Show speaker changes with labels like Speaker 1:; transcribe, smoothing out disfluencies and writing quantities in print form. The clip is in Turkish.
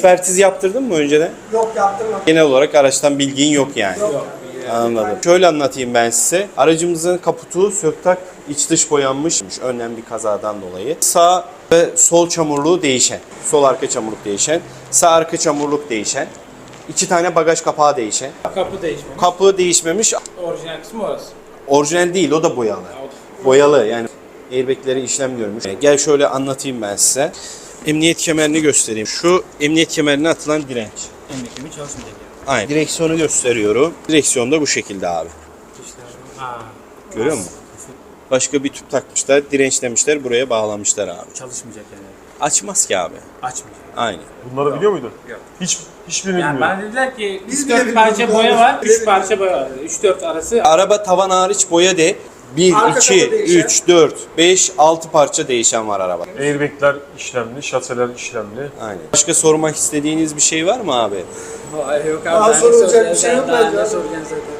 Speaker 1: Ekspertiz yaptırdın mı önceden?
Speaker 2: Yok, yaptırmadım.
Speaker 1: Genel olarak araçtan bilgin yok yani.
Speaker 2: Yok.
Speaker 1: Anladım. Şöyle anlatayım ben size. Aracımızın kaputu söktak iç dış boyanmış. Önlem bir kazadan dolayı. Sağ ve sol çamurluğu değişen. Sol arka çamurluk değişen. Sağ arka çamurluk değişen. 2 tane bagaj kapağı değişen.
Speaker 3: Kapı değişmemiş.
Speaker 1: Kapı değişmemiş.
Speaker 3: Orijinal kısmı orası.
Speaker 1: Orijinal değil, o da boyalı. Boyalı yani. Airbag'leri işlem görmüş. Gel şöyle anlatayım ben size. Emniyet kemerini göstereyim. Şu emniyet kemerine atılan direnç.
Speaker 3: Emniyet kemeri çalışmayacak yani.
Speaker 1: Aynen. Direksiyonu gösteriyorum. Direksiyon da bu şekilde abi.
Speaker 3: Ha.
Speaker 1: Görüyor musun? Başka bir tüp takmışlar, dirençlemişler, buraya bağlamışlar abi.
Speaker 3: Çalışmayacak yani.
Speaker 1: Açmaz ki abi.
Speaker 3: Açmayacak.
Speaker 1: Aynen.
Speaker 4: Bunları biliyor muydun?
Speaker 3: Yok.
Speaker 4: Hiçbirini
Speaker 3: Yani
Speaker 4: bilmiyorum.
Speaker 3: bana dediler ki
Speaker 2: Biz
Speaker 3: 4
Speaker 2: bile
Speaker 3: parça
Speaker 2: bilmiyoruz.
Speaker 3: boya var,
Speaker 2: Biz bile
Speaker 3: 3 parça boya var. 3-4 arası.
Speaker 1: Araba tavan hariç boya de 1,
Speaker 2: Arka
Speaker 1: 2,
Speaker 2: kapı değişen.
Speaker 1: 3, 4, 5, 6 parça değişen var araba.
Speaker 4: Airbag'ler işlemli, şaseler işlemli.
Speaker 1: Aynen. Başka sormak istediğiniz bir şey var mı abi?
Speaker 3: Hayır yok abi.
Speaker 2: Daha
Speaker 3: ben de
Speaker 2: sorulacak
Speaker 3: soracağım.
Speaker 2: bir şey yok
Speaker 3: Daha
Speaker 2: bence
Speaker 3: ne
Speaker 2: abi.
Speaker 3: soracaksın zaten.